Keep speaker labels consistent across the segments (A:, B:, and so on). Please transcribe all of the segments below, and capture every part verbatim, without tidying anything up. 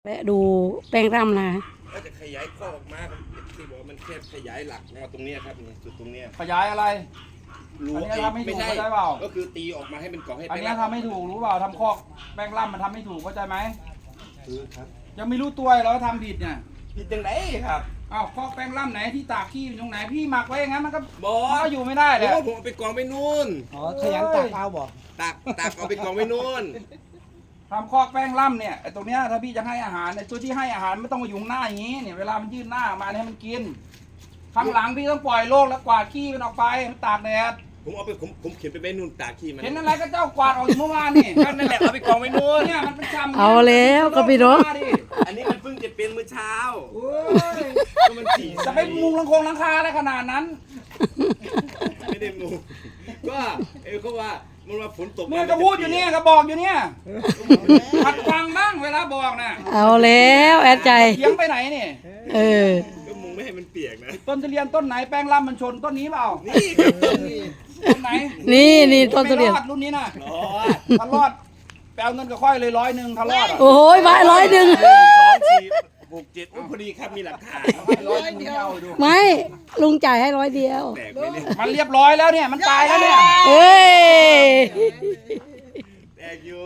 A: แวะดูแป้งร่ำนะ
B: ก็จะขยายข้อออกมาที่บอกว่ามันแค่ขยายหลักมาตรงนี้ครับนี่จุดตรงนี้
C: ขยายอะไร
B: รู้
C: อันนี้ทำไม่ถูก
B: ใช่
C: เข้าใจเปล่า
B: ก็คือตีออกมาให้เป็นกล่องให้
C: อัน
B: เป็น
C: นี้ทำไม่ถูกรู้เปล่าทำคอกแป้งล่ำมันทำไม่ถูกเข้าใจไหม
B: คือครับ
C: ยังไม่รู้ตัวเราทำผิดเนี่ย
B: ผิดจังไหนครับ
C: อ้าวคอกแป้งล่ำไหนที่ตากขี้อยู่ตรงไหนพี่หมักไว้อย่างนั้นมันก็
B: บอ
C: มัน
B: ส
C: ก็อยู่ไม่ได้แห
B: โอ้
C: ละ
B: ผมเอาไปกองไปนู่น
D: อ๋อขยันตากเอาบอก
B: ตักตักเอาไปกองไปนู่น
C: ทำคอกแป้งล่ำเนี่ยไอ้ตรงเนี้ยถ้าพี่จะให้อาหารในตัวที่ให้อาหารไม่ต้องมาอยู่ข้างหน้าอย่างนี้เนี่ยเวลามันยื่นหน้ามาให้มันกินข้างหลังพี่ต้องปล่อยโลกแล้วกวาดขี้มันออกไปมันตากแดด
B: ผมเอาไปผมผมเขียนไปไว้นู่นตากขี้มัน
C: เห็นอะไรก็เจ้ากวาดออกอยู่เมื่อวานนี่
B: ก็นั่นแหละเอาไปกองไปนู่น
C: เนี่ยมันเป็นจำ
A: เอาแล้วก็พี่น้อง
B: อันนี้มันเพิ่งจะเป็นมื้อเช้า
C: โอ้ย
B: ก็มันสี่
C: จะไปมุงลังคงลังคาอะไรขนาดนั้น
B: ไม่ได้มูก็เออเขาว่ามันว่าฝนตก
C: เมื่อก็พูดอยู่เนี่ยก็บอกอยู่เนี่ยหัดฟังบ้างเวลาบอกน่ะ
A: เอาแล้วแอดใจ
C: เถียงไปไหนนี่
A: เออ
B: ก็มุงไม่ให้มันเปียกนะ
C: ต้นทุเรียนต้นไหนแป้งล่ำมันชนต้นนี้เปล่า
B: นี่ครับต้นนี้
C: ต้นไหน
A: นี่นี่ต้นทุเรียน
C: ไม่รอดรุ่นนี้น่ะ
B: รอด
C: ถ้ารอดไปเอาเงินกับค่อยเลยร้อยหนึ่งถ้ารอดอ่ะ
A: โอ้ยไม้ร้อยหนึ่ง
B: หนึ่งสองสี่หกเจ็ดโอ้พอดีครับมีหลักฐาน
C: ร้อยเดียว
A: ไม่ลุงจ่ายให้ร้อยเดียว
B: แตกไหมเนี่ย
C: มันเรียบร้อยแล้วเนี่ยมันตายแล้วเนี่ย
A: เอ้ย
B: แตกอยู่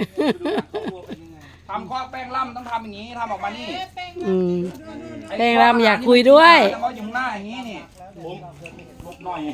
C: ทำข้อแป้งล่ำต้องทำอย่างนี้ทำออกมานี่
A: อืม แป้งล่ำอยากคุยด้วย
C: แต่ว่าอยู่ข้างหน้าอย่างนี้นี่
B: ผม
C: ลบหน่อย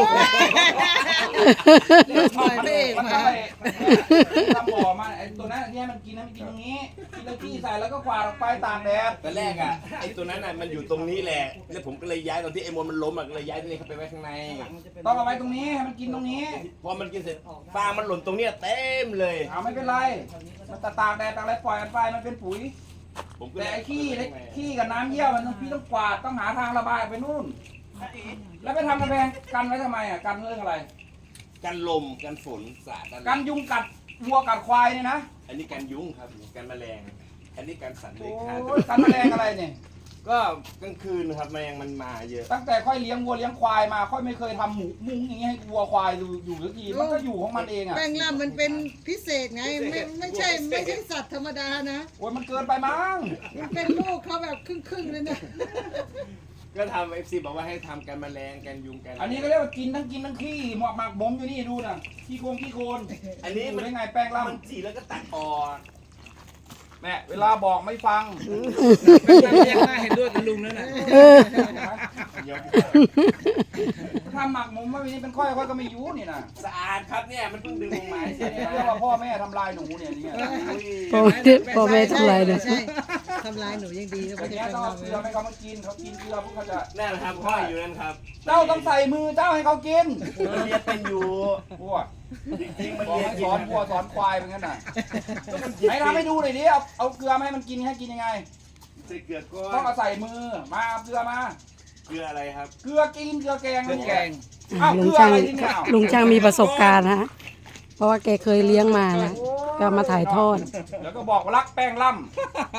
D: ปล่อยไปเอง
C: มัน
D: มา
C: ทำไปทำบ่อมาไอ้ตัวนั้นเนี่ยมันกินนะมันกินตรงนี้กินแล้วขี้ใส่แล้วก็กวาดออกไปตากแดด
B: ตอนแรกอ่ะไอ้ตัวนั้นอ่ะมันอยู่ตรงนี้แหละแล้วผมก็เลยย้ายตอนที่ไอ้มวลมันล้มอ่ะก็เลยย้ายตัวนี้เข้าไปไว้ข้างใน
C: ต้องเอาไว้ตรงนี้ให้มันกินตรงนี้
B: พอมันกินเสร็จฟางมันหล่นตรงเนี้ยเต็มเลย
C: เอาไม่เป็นไรมันตากแดดตากอะไรปล่อยมันไปมันเป็นปุ๋ย
B: ผมก็
C: แต่
B: เลย
C: ไอ้ขี้ไอ้ขี้กับน้ำเยี่ยวมันต้องพี่ต้องกวาดต้องหาทางระบายไปนู่น แล้วไปทำกระแพงกันไว้ทำไมอ่ะกันเรื่องอะไร
B: กันลมกันฝนสาด
C: กันยุงกัดวัวกัดควายเนี่ยนะ
B: อันนี้กันยุงครับกันแมลง อันนี้กันสัตว์
C: โอ
B: เลื้อยคลาน้
C: ยกันแมลงอะไรเนี่ย
B: ก็กลางคืนครับแมลงมันมาเยอะ
C: ตั้งแต่ค่อยเลี้ยงวัวเลี้ยงควายมาค่อยไม่เคยทำหมูมุ้งอย่างเงี้ยให้วัวควายอยู่อยู่สักทีมันก็อยู่ของมันเองอ่ะ
D: แป้งล่ำมันเป็นพิเศษไงไม่ไม่ใช่ไม่ใช่สัตว์ธรรมดานะ
C: โอ้ยมันเกินไปมั้ง
D: มันเป็นลูกเขาแบบครึ่งๆเลยนะ
B: ก็ทำเอฟซีบอกว่าให้ทำกันแมลงกันยุงกัน
C: อันนี้ก็เรียกว่ากินทั้งกินทั้งขี้หมอกหมักบ่มอยู่นี่ดูนะขี้โคงขี้โคน
B: อันนี้
C: ดู
B: มัน
C: ได้ไงแป้ง
B: มัน
C: ล่ำ
B: จีแล้วก็ตัดออก
C: แม่เวลาบอกไม่ฟัง
D: เรียกว่าเห็นด้วยกับลุงแล้วนะ
A: เออ
B: ยก
C: ถ้าหมักหมมว่าวันนี้เป็นค่อยค่อยก็ไม่อยูนี่นะ
B: สะอาดครับเนี่ยมันเพิ่งดึงลงมาเสร็จ
C: เนี่ยเรียกว่าพ่อแม่ทำลายหนูเนี่ยเนี่ย
A: พ่อแม่พ่อแม่ทำไรเนี่ย
D: ใช่ทำลายหนูยังดีก็
C: อั
D: ไม่
C: น
D: ใช่
C: เนี้ย
D: แป้ง
C: ต้องเอา
D: ล่ำ
C: เกลือให้เขามากินเขากินเกลือพวกเขาจะ
B: นั่นแหละครับพ่ออยู่นั่นครับ
C: เจ้าต้องใส่มือเจ้าให้เขากิน
B: มันเรียนเป็นอยู่
C: พวก
B: จริงๆมัน
C: บอก
B: เรียน
C: ให้
B: กิ
C: ส
B: น
C: อนวัวสอนควายเป็นงั้นน่ะไหนทำให้ดูหน่อยดิเอาเอาเกลือมาให้มันกินให้กินยังไง
B: ใส่เกลือก้
C: ต้อง
B: อน
C: เอาใส่มือมาเอาเกลือมา
B: เกลืออะไรครับ
C: เกลือกินเกลือแกง
B: เกลือแกง
C: อ้าว
A: ลุ
C: เก
A: ง
C: ลือ
A: ช่าง
C: อะไรที่เนี่ย
A: ลุงช่างมีประสบการณ์นะเพราะว่าแกเคยเลี้ยงมานะก็มาถ่ายทอด
C: แล้วก็บอกว่ารักแป้งล่ำ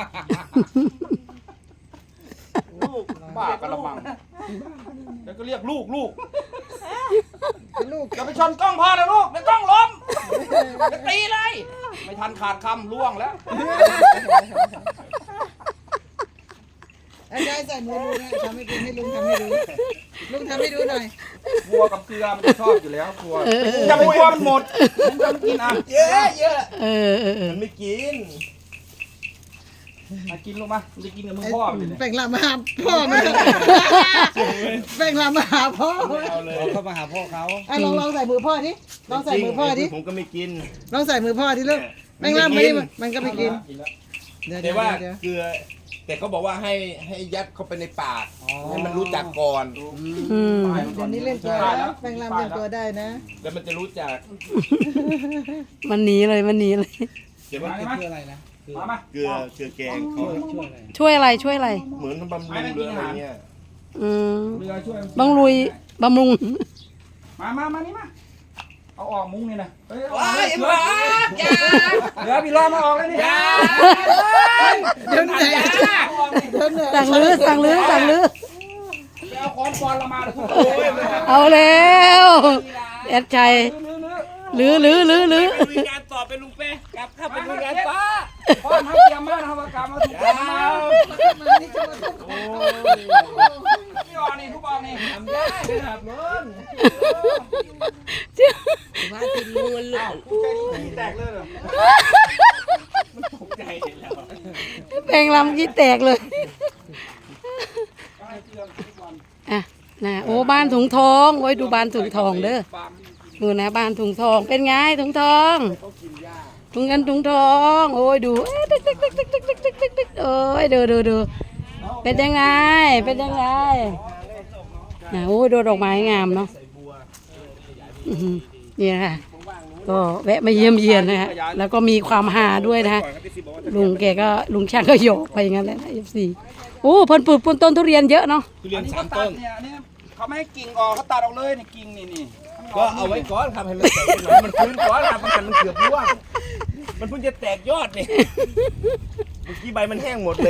C: ลูกบ้ากระมังแล้วก็เรียกลูกลูก
D: ลูก
C: อย่าไปชนกล้องพ่อนะลูกเดี๋ยวกล้องล้มจะตีเลย ไม่ทันขาดคำล่วงแล้ว
D: อาจารย์ใส่มือลุงนะทำให้ดูให้ลุงทำให้ดูลุงทำให้ดูหน่อย
C: วัวกับเกลือมันจะชอบอยู่แล้ววัวอย่าไปกลัวมันหมดมันจะไม่กินอ่ะ
B: เยอะเยอะ
A: เออเออเออ
B: มันไม่กิน
C: มากินลูกมามันจะกินกับมึงพ่อมันเลย
D: แป้งล่ำมาหาพ่อมันแป้งล่ำมาหาพ่อ
B: ไม่เอาเลย
D: เข้ามาหาพ่อเขาอ่ะลองลองใส่มือพ่อดิลองใส่มือพ่อดิ
B: ผมก็ไม่กิน
D: ลองใส่มือพ่อดิลูกแป้งล่ำไม่ได้มันก็ไม่กิน
C: กินแล้ว
D: เดี๋ยว
B: แต่
D: เดี๋ยว
B: ว่า
D: เดี๋ยว
B: เกลือ แต่เขาบอกว่าให้ให้ยัดเข้าไปในปากให้มันรู้จักก่อน
A: อืม
D: เดี๋ยวนี้เล่นตัวแล้วแป้งล่ำเล่นตัวได้นะ
B: แล้วมันจะรู้จัก
A: มันหนีเลยมันหนีเลย
B: เดี๋ยวมัน
C: มาไหมมามา
B: เกลือเกลือแกงเขา
A: ช่วยอะไรช่วยอะไร
B: เหมือนบำรุงหรืออะไรเงี้ย
A: อืม
C: เรือช่วย
A: บำรุยบำรุง
C: มามามานี่มาเอาออกมุ้งนี่นะเฮ้ย
B: ว้ายหมดยา
C: เดี๋ยวพี่รอมาออกเลยนี่
B: ยา
D: เดี๋ยวไหนเดี๋ยวไหน
A: สั่งลื้อสั่งลื้อสั่งลื้อ
C: ไปเอาค้อนปอนละมาเลยทุกคน
A: เอาแล้วแอดชัย
C: ลื้อลื้อ
A: ลื้อลื้อลื้อลื้อ
B: ไปลุยงานต่อไปลุงเป้กลับเข้าไปลุยงานต่อ
C: พ่อทำเตรียมมากนะครับกรรมมาถูกต้องมา
D: มานี่จะมาทุบ
B: โอ้ย
C: พี่ออกนี่ทุกออกนี่ทำได้ครับเงิน
D: ว่าติดมือลูก
C: กูใจดีขี้แตกเลยเหรอ
B: มันตกใจแล้ว
A: แปลงลำกี้แตกเลย
C: ให้เตือนทุกวัน
A: อ่ะนะโอ้บ้านถุงทองโอ้ยดูบ้านถุงทองเด้อดูนะบ้านถุงทองเป็นไงถุงทองถุงเงินถุงทองโอ้ยดูเอ้ยติ๊กติ๊กติ๊กติ๊กติ๊กติ๊กติ๊กติ๊กติ๊กโอ้ยดูดูดูเป็นยังไงเป็นยังไงนะโอ้ยดูดอกไม้งามเนาะอื้อหือเนี่ยค่ะก็แวะมาเยี่ยมเยียนนะฮะแล้วก็มีความหาด้วยนะฮะลุงแกก็ลุงช่างก็โยกไปอย่างนั้นแหละนะเอฟซีโอ้เพิ่นปลูกต้นทุเรียนเยอะเนาะ
B: ทุเรียน
C: อันนี้
B: สา
C: เขา
B: ม
C: ตั
B: ต้
C: ด
B: น
C: เนี่ยเนี่ยเขาไม่ให้กิ่งออกเขาตัดออกเลยนี่กิ่งนี่นี่
B: ก็เอาไว้ก่อนครับให้มันแตกหน่อยมันฟื้นก่อนครับมันมันเกือบร่วงมันเพิ่งจะแตกยอดนี่เมื่อกี้ใบมันแห้งหมดเลย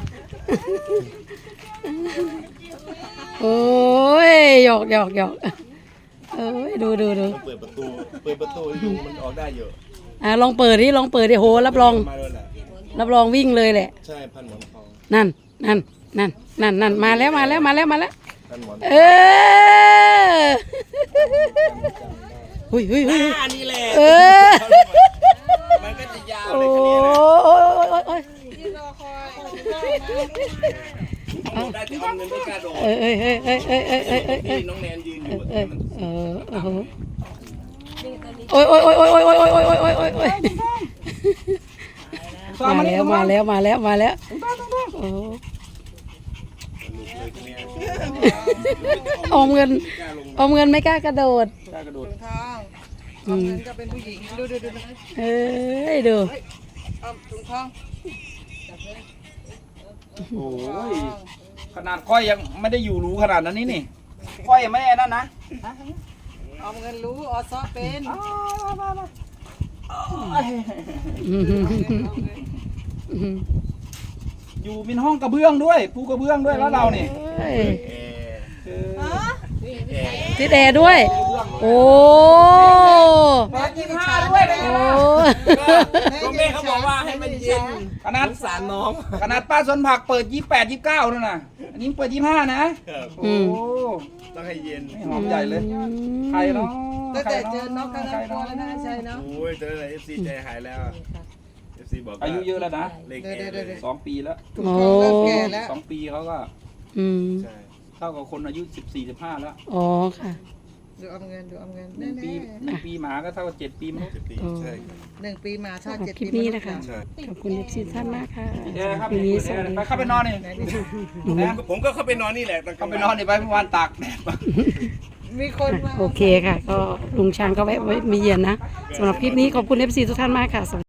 A: โอ้ยหยอกหยอกหยอกเอ้ยดูดูดู
B: เปิดประตูเปิดประตูยุงมันออกได้เยอะ
A: อ่ะลองเปิดดิลองเปิดดิโหรับรอง
B: มาเลยแหละ
A: รับรองวิ่งเลยแหละ
B: ใช่พันหมอนทอง
A: นั่นนั่นนั่นนั่นนั่นมาแล้วมาแล้วมาแล้วมาแล้ว
B: พันหมอน
A: เออหุยหุยหุย
B: อ่านี่แหละ
A: เออ
B: มันก็จะยาว
A: โอ้
B: เลย
A: ย
B: คันนี้นะ
A: โอ้ยโอ้ยโอ้ย
D: ที่รอคอย
B: เอาได้แต่เอาเงินไม่กล้าโดด
A: เอ้ยเอ้ยเอ้ยเอ้ยเอ้ยเอ้ยเอ้ยเอ้ยเอ้
B: ที่
A: ย
B: น้องแนนยืนอยู่
A: เอ้ยเออโอ้โหโอ้ยโอ้ยโอ้ยโอ้ยโอ้ยโอ้ยโอ้ยโอ้ยโอ้ยโอ้ยโอ้ยมาแล้วมาแล้วมาแล้วมาแล้วโอ้อมเงินอมเงินไม่กล้ากระโดด
C: ได้กระโดด
D: ถุงทองเอาเงินก็เป็นผู้หญิงดูดูดู
A: เอ้ยดู
D: เอาถุงทอง
C: โอ้ยขนาดค่อยยังไม่ได้อยู่รู้ขนาดนั้นนี่นี่ค่อยยังไม่ได้นั่นนะ
D: เอาเงินรู้ออซอเป็น
A: อืมอืม
C: อยู่เป็นห้องกระเบื้องด้วยปูกระเบื้องด้วยแล้วเราเนี่ย
A: เอ้ย
B: เอ
C: เออ
A: ติดแอร์ด้วย โอ้
D: แม่ยี่สิบห้าด้วย
A: โอ้
B: ก็แม่เขาบอกว่าให้มันเย็น
C: ขนาด
B: สงสารน้อง
C: ขนาดป้าสวนผักเปิดยี่สิบแปดยี่สิบเก้านั่นน่ะอันนี้เปิดยี่สิบห้านะครับ โอ้
B: ต้องให้เย็น
C: ไม่หอมใหญ่เลยใครเนาะ
D: ตั้งแต่เจอ
C: ใคร
D: น้องก็น่ากลัวแล้วนะชัยเนาะ
B: โอ้ยเจออะไรเอฟซีใจหายแล้วเอฟซีบอกว่า
C: อายุเยอะแล้วนะ
B: เลข
D: เดี๋ยว
B: แอ
D: เดี๋ยว
B: ร์
D: เดี๋ยว
C: สองปีแล้ว
D: ถุงทองเริ่มแก่แล้ว
C: สองปีเขาก็
A: อืม
B: ใช่
C: เท่ากับคนอายุสิบสี่สิบห้าแล้ว
A: อ๋อค่ะ
D: ดูเอาเงินดูเอาเงิน
C: หนึ่งปีหนึ่งปีหมาก็เท่ากับเจ็ดปีมั้ง
B: เจ็ดปีใช่ครับ
D: หนึ่งปีมาถ้า
A: สำหรับ
D: เจ็ด
A: คลิ
D: ปี
A: ปนี้นะคะ
B: ใช่
A: ขอบคุณเอฟซีท่านมากค่ะ
C: เดี๋ยวครับ
A: คลิปนี้สวัสดี
C: ไปเข้าไปนอนนี่
B: ผมก็ผมก็เข้าไปนอนนี่แหละตอนกล
C: เข้าง ไป
B: วัน
C: นอนนี่ไปเมื่อวานตากแดดมา
D: มีคนมา
A: โอเคค่ะ ก็ลุงช้างก็แวะไว้มีเย็นนะสำหรับคลิปนี้ขอบคุณเอฟซีทุกท่านมากค่ะ